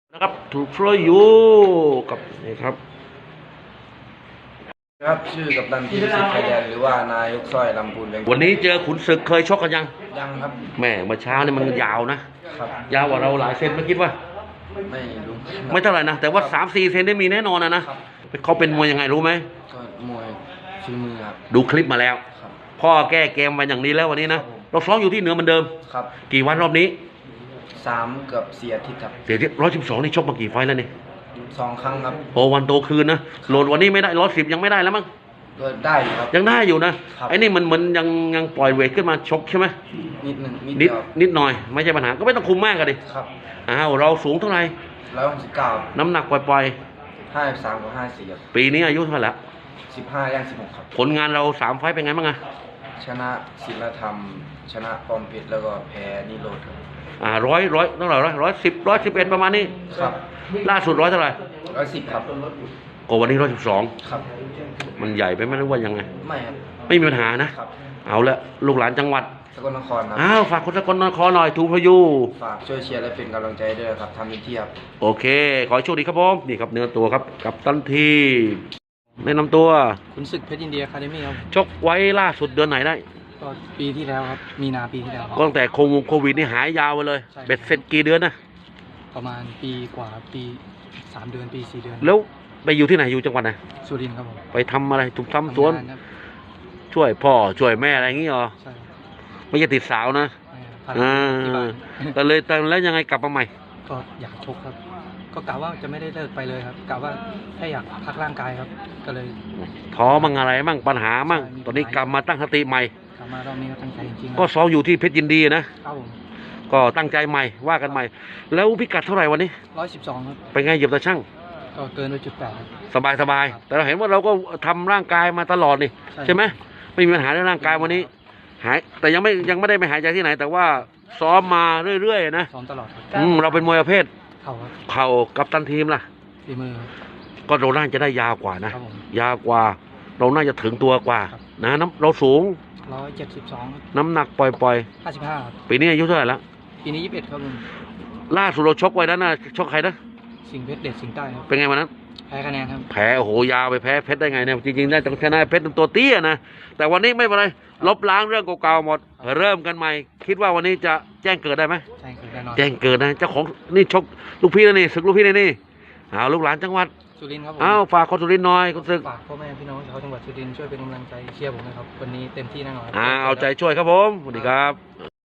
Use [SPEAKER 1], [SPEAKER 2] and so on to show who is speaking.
[SPEAKER 1] นะครับถูกฟลอยอยู่กับนี่ครับ
[SPEAKER 2] ครับชื่อกัปตันทีมสิทธิ์ไทยแลนด์หรือว่านายกสร้อยลำพูนแบงค์
[SPEAKER 1] วันนี้เจอขุนศึกเคยชกกันยัง
[SPEAKER 2] ครับ
[SPEAKER 1] แม่เมื่อเช้านี่มันยาวนะครับ ยาวกว่าเราหลายเซนไม่คิดว่า
[SPEAKER 2] ไม่รู้
[SPEAKER 1] ไม่เท่าไหร่นะแต่ว่า3-4 เซนได้มีแน่นอนนะเขาเป็นมวยยังไงรู้ไหม
[SPEAKER 2] ก็มวยฝีมือครับ
[SPEAKER 1] ดูคลิปมาแล้ว
[SPEAKER 2] ครับ
[SPEAKER 1] พ่อแก้เกมมาอย่างนี้แล้ววันนี้นะเราซ้อมอยู่ที่เหนือเหมือนเดิม
[SPEAKER 2] ครับ
[SPEAKER 1] กี่วันรอบนี้
[SPEAKER 2] 3เกือบ4 อาทิตย์ครับ
[SPEAKER 1] เดี๋ยว112นี่ชกมากี่ไฟแล้วนี่
[SPEAKER 2] 2 ครั้งครับ
[SPEAKER 1] โอ้วันโตคืนนะโหลดวันนี้ไม่ได้110ยังไม่ได้แล้วมั้ง
[SPEAKER 2] ก็ได้อยู่ครับ
[SPEAKER 1] ยังได้อยู่นะไอ้นี่มันยังปล่อยเวทขึ้นมาชกใช่ไหม
[SPEAKER 2] นิดหนึ่ง
[SPEAKER 1] นิดหน่อยไม่ใช่ปัญหาก็ไม่ต้องคุมมากกันดิ
[SPEAKER 2] ครับ
[SPEAKER 1] อ้าวเราสูงเท่าไหร่
[SPEAKER 2] 169
[SPEAKER 1] น้ำหนักปล่อย
[SPEAKER 2] 53กับ54ครับ
[SPEAKER 1] ปีนี้อายุเท่าไหร่ละ
[SPEAKER 2] 15ย่าง16ครับ
[SPEAKER 1] ผลงานเรา3 ไฟต์เป็นไงบ้างอะ
[SPEAKER 2] ชนะศิลธรรมชนะปอมเพชรแล้วก็แพ้นิโรธครับ
[SPEAKER 1] ร้อยเท่าไหร่110 111ประมาณนี้
[SPEAKER 2] ครับ
[SPEAKER 1] ล่าสุดเท่าไหร่
[SPEAKER 2] 110ครับ
[SPEAKER 1] ก็วันนี้
[SPEAKER 2] ครับ
[SPEAKER 1] มันใหญ่ไปไหมหรือว่ายังไง
[SPEAKER 2] ไม่ครับ
[SPEAKER 1] ไม่มีปัญหานะครับเอาละลูกหลานจังหวัด
[SPEAKER 2] สกลนครครับ
[SPEAKER 1] ฝากคนสกลนครหน่อยทูพยู
[SPEAKER 2] ฝากช่วยเชียร์และเป็นกำลังใจด้วยครับทำเต็มที่ครับ
[SPEAKER 1] โอเคขอให้โชคดีครับผมนี่ครับเนื้อตัวครับกับตันทีแนะนำตัว
[SPEAKER 2] ขุนศึกเพชรยินดีอะคาเดมี่ครับ
[SPEAKER 1] ชกไว้ล่าสุดเดือนไหนได้
[SPEAKER 2] ก็ปีที่แล้วครับมีนาปีที่แล้ว
[SPEAKER 1] ก็ตั้งแต่โควิดนี่หายยาวไปเลยเบ็ดเสร็จกี่เดือนนะ
[SPEAKER 2] ประมาณปีกว่าปี3 เดือนปี4 เดือน
[SPEAKER 1] แล้วไปอยู่ที่ไหนอยู่จังหวัดไหน
[SPEAKER 2] สุรินทร์ครับผม
[SPEAKER 1] ไปทำอะไรถูกทำสวนช่วยพ่อช่วยแม่อะไรอย่างงี้เหรอ
[SPEAKER 2] ใช่
[SPEAKER 1] ไม่ใช่ติดสาวนะแต่เลยแต่แล้วยังไงกลับมาใหม่
[SPEAKER 2] ก็อยากชกครับก็กะว่าจะไม่ได้เลิกไปเลยครับกะว่าแค่อยากพักร่างกายครับก็เลย
[SPEAKER 1] ท้อมั่งอะไรมั่งปัญหามั่งตอนนี้กลับมาตั้งสติใหม่
[SPEAKER 2] กลับมารอบนี้ก็ตั้งใจจริง
[SPEAKER 1] ๆก็ซ้อมอยู่ที่เพชรยินดีนะครับผมก็ตั้งใจใหม่ว่ากันใหม่แล้วพิกัดเท่าไหร่วันนี้
[SPEAKER 2] 112ครับ
[SPEAKER 1] ไปไงเหยียบตาช่าง
[SPEAKER 2] ก็เกินไป1.8
[SPEAKER 1] สบายแต่เราเห็นว่าเราก็ทำร่างกายมาตลอดนี่ใช่ไหมไม่มีปัญหาเรื่องร่างกายวันนี้หายแต่ยังไม่ได้ไปหายใจที่ไหนแต่ว่าซ้อมมาเรื่อยๆนะ
[SPEAKER 2] ซ้อมตลอด
[SPEAKER 1] เราเป็นมวยประเภท
[SPEAKER 2] เข่า
[SPEAKER 1] กับตันทีมล่ะ
[SPEAKER 2] ฝีมือ
[SPEAKER 1] ก็เราน่าจะได้ยาวกว่านะยาวกว่าเราน่าจะถึงตัวกว่านะเราสูง
[SPEAKER 2] 172
[SPEAKER 1] น้ำหนักปล่อย
[SPEAKER 2] 55
[SPEAKER 1] ปีนี้อายุเท่าไหร่แล้ว
[SPEAKER 2] ปีนี้21ครับลุง
[SPEAKER 1] ล่าสุดเราชกไว้นั้นนะชกใครนะ
[SPEAKER 2] สิงห์เพชรเด็ดสิงห์ใต้ครับ
[SPEAKER 1] เป็นไงวันนั้น
[SPEAKER 2] แพ้คะแนนครับ
[SPEAKER 1] แพ้โอ้โหยาวไปแพ้เพชรได้ไงเนี่ยจริงๆได้ต้องชนะเพชรตัวเตี้ยนะแต่วันนี้ไม่เป็นไรลบล้างเรื่องเก่าๆหมดเริ่มกันใหม่คิดว่าวันนี้จะแจ้งเกิดได้ไหมแจ้งเกิดนะเจ้าของนี่ชกลูกพี่นะนี่ศึกลูกพี่นี่ลูกหลานจังหวัด
[SPEAKER 2] สุรินทร์ครับ
[SPEAKER 1] ฝากคนสุรินทร์หน่อยคนศึก
[SPEAKER 2] ฝากพ่อแม่พี่น้องชาวจังหวัดสุรินทร์ช่วยเป็นกำลังใจเชียร์ผมนะครับวันนี้เต็มที่แน่นอน
[SPEAKER 1] เอาใจช่วยครับผมสวัสดีครับ